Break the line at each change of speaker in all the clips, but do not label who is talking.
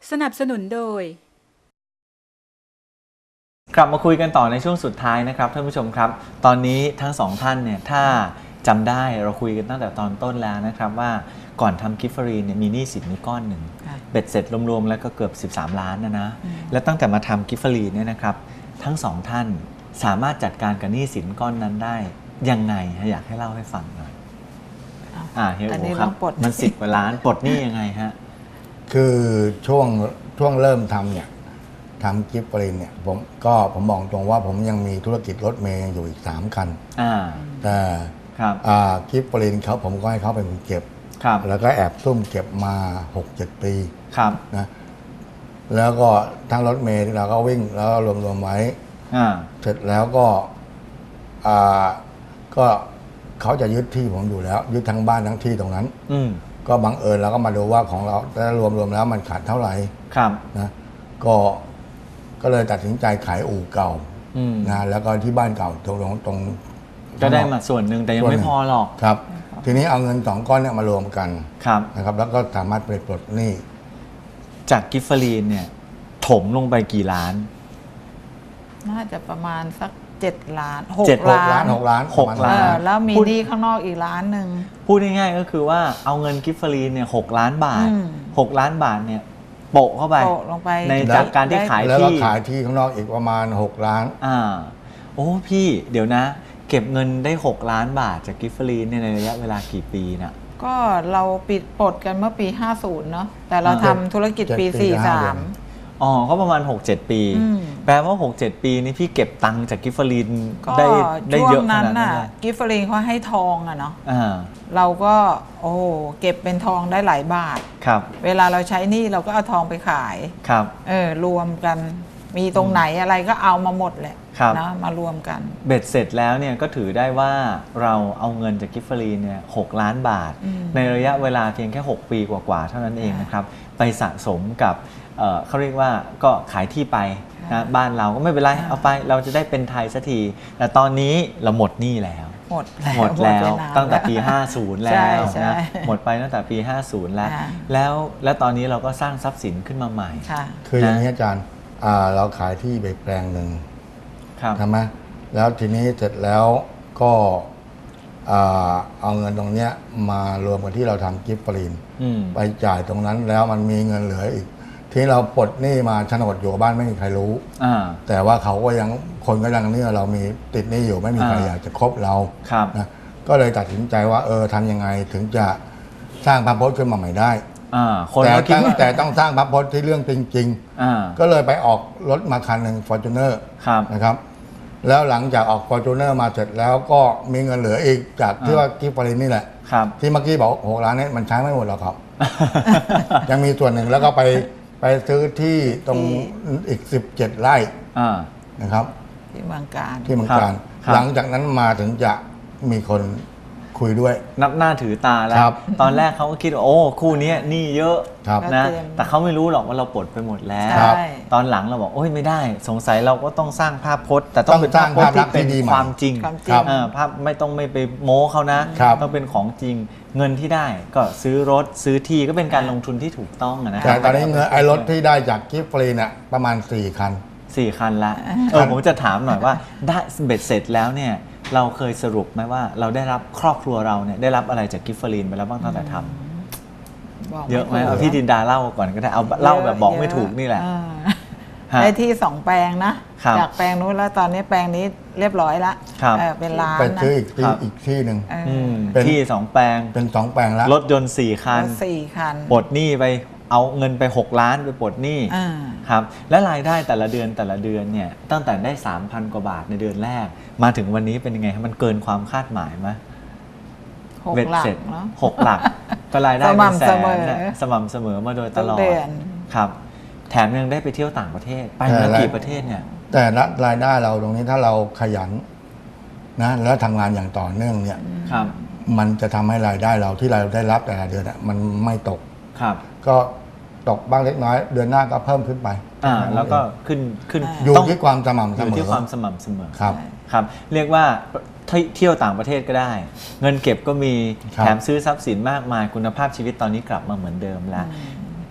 สนับสนุนโดย
กลับมาคุยกันต่อในช่วงสุดท้ายนะครับท่านผู้ชมครับตอนนี้ทั้งสองท่านเนี่ยถ้าจำได้เราคุยกันตั้งแต่ตอนต้นแล้วนะครับว่าก่อนทำกิฟฟรีเนี่ยมีหนี้สินนี่ก้อนหนึ่งเบ็ดเสร็จรวมๆแล้วก็เกือบ13 ล้านนะแล้วตั้งแต่มาทำกิฟฟรีเนี่ยนะครับทั้งสองท่านสามารถจัดการกับหนี้สินก้อนนั้นได้ยังไงอยากให้เล่าให้ฟังหน่อยเฮียโอครับมัน10 กว่าล้านปลดหนี้ยังไงฮะ
คือช่วงเริ่มทำเนี่ยทำกิฟต์ฟรีเนี่ยผมบอกตรงว่าผมยังมีธุรกิจรถเมย์อยู่อีก3 คันแต่กิฟต์ฟรีผมก็ให้เขาเป็นคนเก็บแล้วก็แอบซุ่มเก็บมา 6-7 ปีนะแล้วก็ทั้งรถเมย์เราก็วิ่งแล้วรวมไว้เสร็จแล้วก็เขาจะยึดที่ผมอยู่แล้วยึดทั้งบ้านทั้งที่ตรงนั้นก็บังเอิญเราก็มาดูว่าของเราแต่รวมแล้วมันขาดเท่าไหร่นะก็เลยตัดสินใจขายอู่เก่านะแล้วก็ที่บ้านเก่าตรง
ก็ได้มาส่วนหนึ่งแต่ยังไม่พอหรอก
ครับทีนี้เอาเงิน2 ก้อนเนี่ยมารวมกันนะครับแล้วก็สามารถไปปลดหนี้
จากกิฟฟรีนเนี่ยถมลงไปกี่ล้าน
น่าจะประมาณสัก7 ล้าน
6 ล้าน
แล้วมีหนี้ข้างนอกอีกล้านหนึ่ง
พูดง่ายๆก็คือว่าเอาเงินกิฟฟรีนเนี่ย6 ล้านบาท6 ล้านบาทเนี่ยโปะเข้าไปในจากการที่ขายที่
แล้วก็ขายที่ข้างนอกอีกประมาณ6 ล้าน
โอ้พี่เดี๋ยวนะเก็บเงินได้6 ล้านบาทจากกิฟฟรีนในระยะเวลากี่ปีนะ
ก็เราปิดปลดกันเมื่อปี 50 เนาะแต่เราทำธุรกิจปี 43
ก็ประมาณ 6-7 ปีแปลว่า 6-7 ปีนี้พี่เก็บตังค์จากกิฟฟรีนได้เยอะขนาดนั้น
กิฟฟรีนเขาให้ทองอะเนาะเราก็เก็บเป็นทองได้หลายบาทเวลาเราใช้หนี้เราก็เอาทองไปขายรวมกันมีตรงไหนอะไรก็เอามาหมดแหละนะมารวมกัน
เบ็ดเสร็จแล้วเนี่ยก็ถือได้ว่าเราเอาเงินจากกิฟฟรีนเนี่ย6 ล้านบาทในระยะเวลาเพียงแค่6 ปีกว่าๆเท่านั้นเองนะครับไปสะสมกับเขาเรียกว่าก็ขายที่ไปนะบ้านเราก็ไม่เป็นไรเอาไปเราจะได้เป็นไทยสักทีแต่ตอนนี้เราหมดหนี้แล้ว
หมด
แล้วตั้งแต่ปี 50 แล้วนะหมดไปตั้งแต่ปี 50 แล้วตอนนี้เราก็สร้างทรัพย์สินขึ้นมาใหม่
คืออย่างนี้อาจารย์เราขายที่ไปแปลงหนึ่งใช่ไหมแล้วทีนี้เสร็จแล้วก็เอาเงินตรงนี้มารวมกันที่เราทำกิฟต์ฟรีนไปจ่ายตรงนั้นแล้วมันมีเงินเหลืออีกที่เราปลดหนี้มาโฉนดอยู่บ้านไม่มีใครรู้แต่ว่าเขาก็ยังคนก็ยังเนี่ยเรามีติดหนี้อยู่ไม่มีใครอยากจะคบเรานะก็เลยตัดสินใจว่าทำยังไงถึงจะสร้างพระพจน์ขึ้นมาใหม่ได้แต่ต้องสร้างพระพจน์ที่เรื่องจริงๆก็เลยไปออกรถมาคันหนึ่ง Fortuner นะครับแล้วหลังจากออก Fortuner มาเสร็จแล้วก็มีเงินเหลืออีกจากที่ว่ากิฟต์ฟรีนนี่แหละที่เมื่อกี้บอก6 ล้านนี้มันใช้ไม่หมดหรอกครับยังมีส่วนหนึ่งแล้วก็ไปซื้อที่ตรงอีก17 ไร่นะครับ
ที่เมืองการ
หลังจากนั้นมาถึงจะมีคนคุยด้วย
นับหน้าถือตาแล้วตอนแรกเขาก็คิดว่าคู่นี้หนี้เยอะนะแต่เขาไม่รู้หรอกว่าเราปลดไปหมดแล้วตอนหลังเราบอกไม่ได้สงสัยเราก็ต้องสร้างภาพพจน์แต่ต้องเป็นภาพพจน์ที่เป็นความจริงภาพไม่ไปโม้เขานะต้องเป็นของจริงเงินที่ได้ก็ซื้อรถซื้อที่ก็เป็นการลงทุนที่ถูกต้องนะ
แต่ตอนนี้เงินรถที่ได้จากกิฟต์ฟรีเนี่ยประมาณ4 คัน
ละผมจะถามหน่อยว่าได้เบ็ดเสร็จแล้วเนี่ยเราเคยสรุปไหมว่าเราได้รับครอบครัวเราเนี่ยได้รับอะไรจากกิฟฟรีนไปแล้วบ้างตั้งแต่ทำเยอะไหมเอาพี่ดินดาเล่าก่อนก็ได้เอาเล่าแบบบอกไม่ถูกนี่แหละ
ได้ที่2 แปลงนะจากแปลงนู้นแล้วตอนนี้แปลงนี้เรียบร้อยแล้วเป็นล้าน
ไปซื้ออีกที่หนึ่ง
ที่2 แปลง
เป็น2 แปลงแล้ว
รถยนต์4 คันปลดหนี้ไปเอาเงินไป6 ล้านไปปลดหนี้ครับและรายได้แต่ละเดือนเนี่ยตั้งแต่ได้ 3,000 กว่าบาทในเดือนแรกมาถึงวันนี้เป็นยังไงมันเกินความคาดหมายไหม
6 หลักเนาะ
6 หลักก็รายได้เป็นแสนสม่ำเสมอมาโดยตลอดครับแถมยังได้ไปเที่ยวต่างประเทศไปมากี่ประเทศเนี่ย
แต่รายได้เราตรงนี้ถ้าเราขยันนะแล้วทำงานอย่างต่อเนื่องเนี่ยมันจะทำให้รายได้เราที่เราได้รับแต่ละเดือนมันไม่ตกก็ตกบ้างเล็กน้อยเดือนหน้าก็เพิ่มขึ้นไป
แล้วก็ขึ้น
อยู่ที่ความสม่ำเสมอ
อยู่ที่ความสม่ำเสมอครับเรียกว่าเที่ยวต่างประเทศก็ได้เงินเก็บก็มีแถมซื้อทรัพย์สินมากมายคุณภาพชีวิตตอนนี้กลับมาเหมือนเดิมแล้ว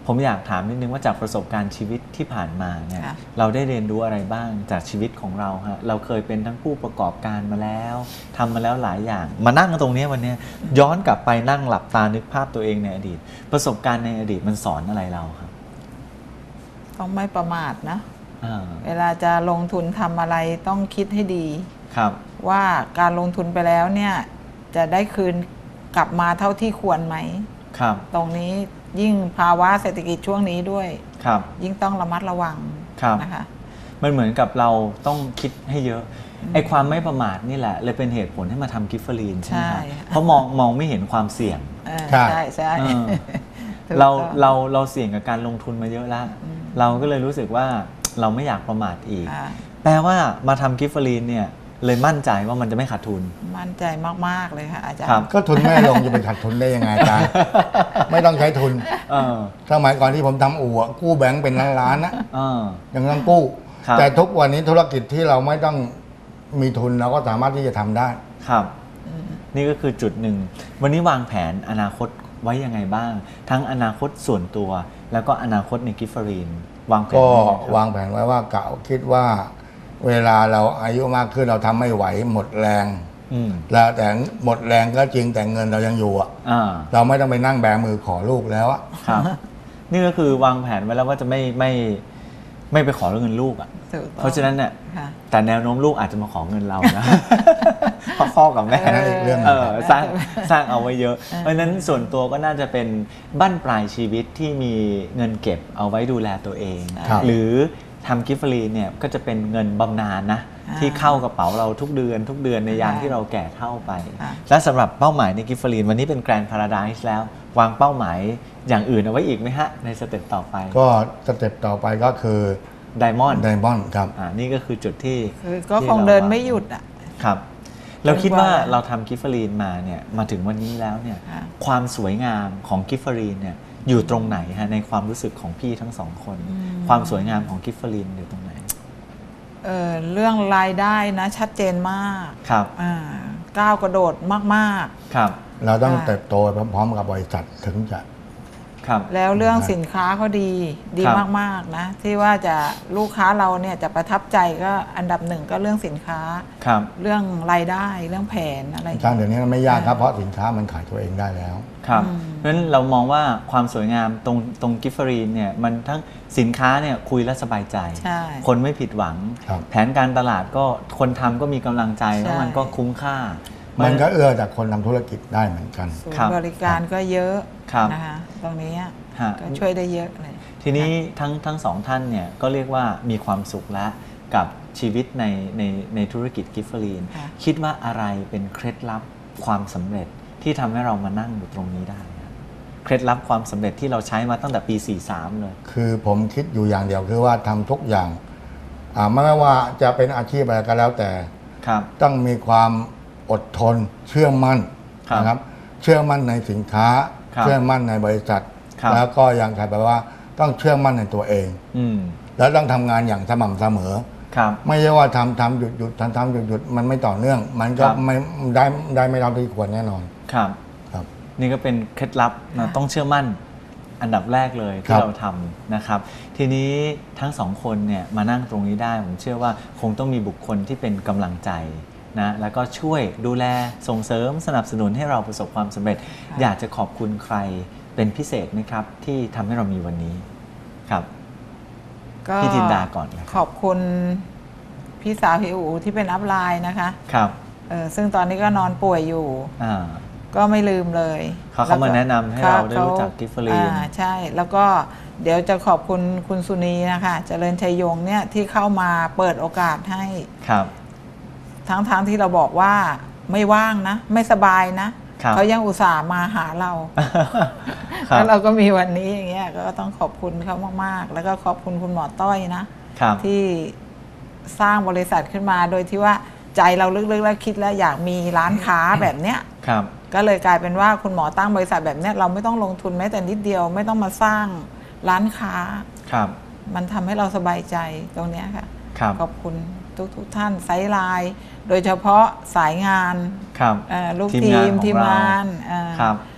ผมอยากถามนิดนึงว่าจากประสบการณ์ชีวิตที่ผ่านมาเนี่ยเราได้เรียนรู้อะไรบ้างจากชีวิตของเราฮะเราเคยเป็นทั้งผู้ประกอบการมาแล้วทำมาแล้วหลายอย่างมานั่งกันตรงนี้วันนี้ย้อนกลับไปนั่งหลับตานึกภาพตัวเองในอดีตประสบการณ์ในอดีตมันสอนอะไรเราครับ
ต้องไม่ประมาทนะเวลาจะลงทุนทำอะไรต้องคิดให้ดี
ครับ
ว่าการลงทุนไปแล้วเนี่ยจะได้คืนกลับมาเท่าที่ควรไหม
ครับ
ตรงนี้ยิ่งภาวะเศรษฐกิจช่วงนี้ด้วย
ครับ
ยิ่งต้องระมัดระวังนะคะ
มันเหมือนกับเราต้องคิดให้เยอะไอ้ความไม่ประมาทนี่แหละเลยเป็นเหตุผลให้มาทำกิฟเฟอรีนใช่ไหมเพราะมองไม่เห็นความเสี่ยง
ใช่ใช่
เราเสี่ยงกับการลงทุนมาเยอะแล้วเราก็เลยรู้สึกว่าเราไม่อยากประมาทอีกแปลว่ามาทำกิฟเฟอรีนเนี่ยเลยมั่นใจว่ามันจะไม่ขาดทุน
มั่นใจมากๆเลยค่ะอาจารย์
ก็ทุนแม่ลงจะเป็นขาดทุนได้ยังไงอาจารย์ไม่ต้องใช้ทุนสมัยก่อนที่ผมทำอู่กู้แบงก์เป็นล้านๆนะยังต้องกู้แต่ทุกวันนี้ธุรกิจที่เราไม่ต้องมีทุนเราก็สามารถที่จะทำได้
ครับนี่ก็คือจุดหนึ่งวันนี้วางแผนอนาคตไว้ยังไงบ้างทั้งอนาคตส่วนตัวแล้วก็อนาคตในกิฟเฟอรีนวางแผน
ก็วางแผนไว้ว่ากะคิดว่าเวลาเราอายุมากขึ้นเราทำไม่ไหวหมดแรงแล้วแต่หมดแรงก็จริงแต่เงินเรายังอยู่เราไม่ต้องไปนั่งแบมือขอลูกแล้ว
ครับนี่ก็คือวางแผนไว้แล้วว่าจะไม่ไปขอเงินลูกเพราะฉะนั้นเนี่ยแต่แนวโน้มลูกอาจจะมาขอเงินเรานะเพราะพ่อกับแม่
เรื่อง
สร้างเอาไว้เยอะเพราะฉะนั้นส่วนตัวก็น่าจะเป็นบั้นปลายชีวิตที่มีเงินเก็บเอาไว้ดูแลตัวเองหรือทำกิฟเฟอรีนเนี่ยก็จะเป็นเงินบำนาญนะที่เข้ากระเป๋าเราทุกเดือนในยามที่เราแก่เฒ่าไปและสำหรับเป้าหมายในกิฟเฟอรีนวันนี้เป็นแกรนด์พาราไดซ์แล้ววางเป้าหมายอย่างอื่นเอาไว้อีกไหมฮะในสเต็ปต่อไป
ก็สเต็ปต่อไปก็คือ
ไดมอนด์
ครับ
นี่ก็คือจุดที่
ก็คงเดินไม่หยุด
ครับเราคิดว่าเราทำกิฟเฟอรีนมาเนี่ยมาถึงวันนี้แล้วเนี่ยความสวยงามของกิฟเฟอรีนเนี่ยอยู่ตรงไหนฮะในความรู้สึกของพี่ทั้งสองคนความสวยงามของกิฟเฟอรีนอยู่ตรงไหน
เรื่องรายได้นะชัดเจนมาก
ครับ
ก้าวกระโดดมาก
ๆครับ
เราต้องเติบโตพร้อมกับบริษัทถึงจะ
แล้วเรื่องสินค้าเขาดีมากๆนะที่ว่าจะลูกค้าเราเนี่ยจะประทับใจก็อันดับหนึ่งก็เรื่องสินค้าเรื่องรายได้เรื่องแผนอะไร
การเดี๋ยวนี้มันไม่ยากครับเพราะสินค้ามันขายตัวเองได้แล้ว
ครับเพราะฉะนั้นเรามองว่าความสวยงามตรงกิฟเฟอรีนเนี่ยมันทั้งสินค้าเนี่ยคุยแล้วสบายใจคนไม่ผิดหวังแผนการตลาดก็คนทำก็มีกำลังใจแล้วมันก็คุ้มค่า
มันก็เอื้อจากคนทำธุรกิจได้เหมือนกัน
บริการก็เยอะนะคะตรงนี้ก็ช่วยได้เยอะเลย
ทีนี้ทั้งสองท่านเนี่ยก็เรียกว่ามีความสุขแล้วกับชีวิตในธุรกิจกิฟเฟอรีนคิดว่าอะไรเป็นเคล็ดลับความสำเร็จที่ทำให้เรามานั่งอยู่ตรงนี้ได้เคล็ดลับความสำเร็จที่เราใช้มาตั้งแต่ปี 43เลย
คือผมคิดอยู่อย่างเดียวคือว่าทำทุกอย่างไม่ว่าจะเป็นอาชีพอะไรก็แล้วแต่ต้องมีความอดทนเชื่อมั่นนะครับเชื่อมั่นในสินค้าเชื่อมั่นในบริษัทแล้วก็อย่างไรแปลว่าต้องเชื่อมั่นในตัวเองแล้วต้องทำงานอย่างสม่ำเสมอไม่ใช่ว่าทำหยุดทำหยุดมันไม่ต่อเนื่องมันก็ไม่ได้ไม่เท่าที่ควรแน่นอน
ครับนี่ก็เป็นเคล็ดลับนะต้องเชื่อมั่นอันดับแรกเลยที่เราทำนะครับทีนี้ทั้งสองคนเนี่ยมานั่งตรงนี้ได้ผมเชื่อว่าคงต้องมีบุคคลที่เป็นกำลังใจนะแล้วก็ช่วยดูแลส่งเสริมสนับสนุนให้เราประสบความสำเร็จอยากจะขอบคุณใครเป็นพิเศษไหมครับที่ทำให้เรามีวันนี้ครับพี่จินดาก่อน
ขอบคุณพี่สาวพี่อู๋ที่เป็นอัพไลน์นะคะ
ครับ
ซึ่งตอนนี้ก็นอนป่วยอยู่ก็ไม่ลืมเลย
เขามาแนะนำให้เราได้รู้จักกิฟเฟอรีน
ใช่แล้วก็เดี๋ยวจะขอบคุณคุณสุนีนะคะเจริญชัยยงเนี่ยที่เข้ามาเปิดโอกาสให้
ครับ
ทั้งที่เราบอกว่าไม่ว่างนะไม่สบายนะเขายังอุตส่าห์มาหาเราแล้วเราก็มีวันนี้อย่างเงี้ยก็ต้องขอบคุณเขามากๆแล้วก็ขอบคุณคุณหมอต้อยนะที่สร้างบริษัทขึ้นมาโดยที่ว่าใจเราลึกๆแล้วคิดแล้วอยากมีร้านค้าแบบเนี้ยก็เลยกลายเป็นว่าคุณหมอตั้งบริษัทแบบเนี้ยเราไม่ต้องลงทุนแม้แต่นิดเดียวไม่ต้องมาสร้างร้านค้ามันทำให้เราสบายใจตรงเนี้ยค่ะขอบคุณทุกท่านไซด์ไลน์โดยเฉพาะสายงานลูกทีมงาน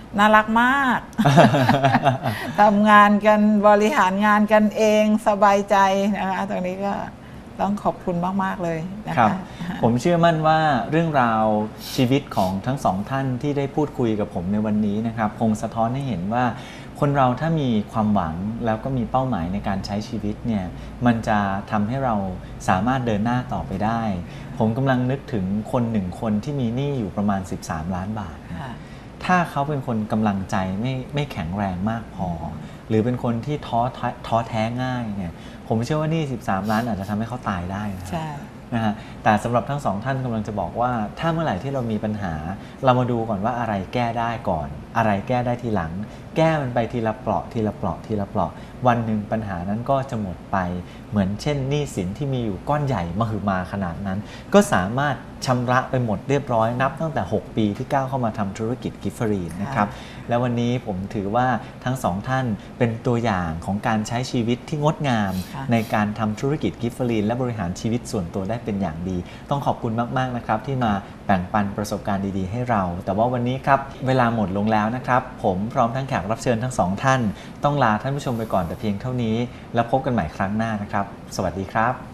น่ารักมาก ทำงานกันบริหารงานกันเองสบายใจนะคะตรงนี้ก็ต้องขอบคุณมากๆเลยนะ
ครั
คะ
บ ผมเชื่อมั่นว่าเรื่องราวชีวิตของทั้งสองท่านที่ได้พูดคุยกับผมในวันนี้นะครับคงสะท้อนให้เห็นว่าคนเราถ้ามีความหวังแล้วก็มีเป้าหมายในการใช้ชีวิตเนี่ยมันจะทำให้เราสามารถเดินหน้าต่อไปได้ ผมกำลังนึกถึงคนหนึ่งคนที่มีหนี้อยู่ประมาณ13 ล้านบาท ถ้าเขาเป็นคนกำลังใจไม่แข็งแรงมากพอ หรือเป็นคนที่ท้อแท้ง่ายเนี่ยผมเชื่อว่านี่13 ล้านอาจจะทำให้เขาตายได้นะ
ใช่
นะฮะแต่สำหรับทั้งสองท่านกำลังจะบอกว่าถ้าเมื่อไหร่ที่เรามีปัญหา เรามาดูก่อนว่าอะไรแก้ได้ก่อน อะไรแก้ได้ทีหลัง แก้มันไปทีละเปราะทีละเปราะทีละเปราะวันหนึ่งปัญหานั้นก็จะหมดไปเหมือนเช่นหนี้สินที่มีอยู่ก้อนใหญ่มหึมาขนาดนั้น ก็สามารถชำระไปหมดเรียบร้อยนับตั้งแต่ 6 ปีที่ก้าวเข้ามาทำธุรกิจกิฟเฟอรีนนะครับและวันนี้ผมถือว่าทั้งสองท่านเป็นตัวอย่างของการใช้ชีวิตที่งดงามในการทำธุรกิจกิฟเฟอรีนและบริหารชีวิตส่วนตัวได้เป็นอย่างดีต้องขอบคุณมากๆนะครับที่มาแบ่งปันประสบการณ์ดีๆให้เราแต่ว่าวันนี้ครับเวลาหมดลงแล้วนะครับผมพร้อมทั้งแขกรับเชิญทั้งสองท่านต้องลาท่านผู้ชมไปก่อนแต่เพียงเท่านี้แล้วพบกันใหม่ครั้งหน้านะครับสวัสดีครับ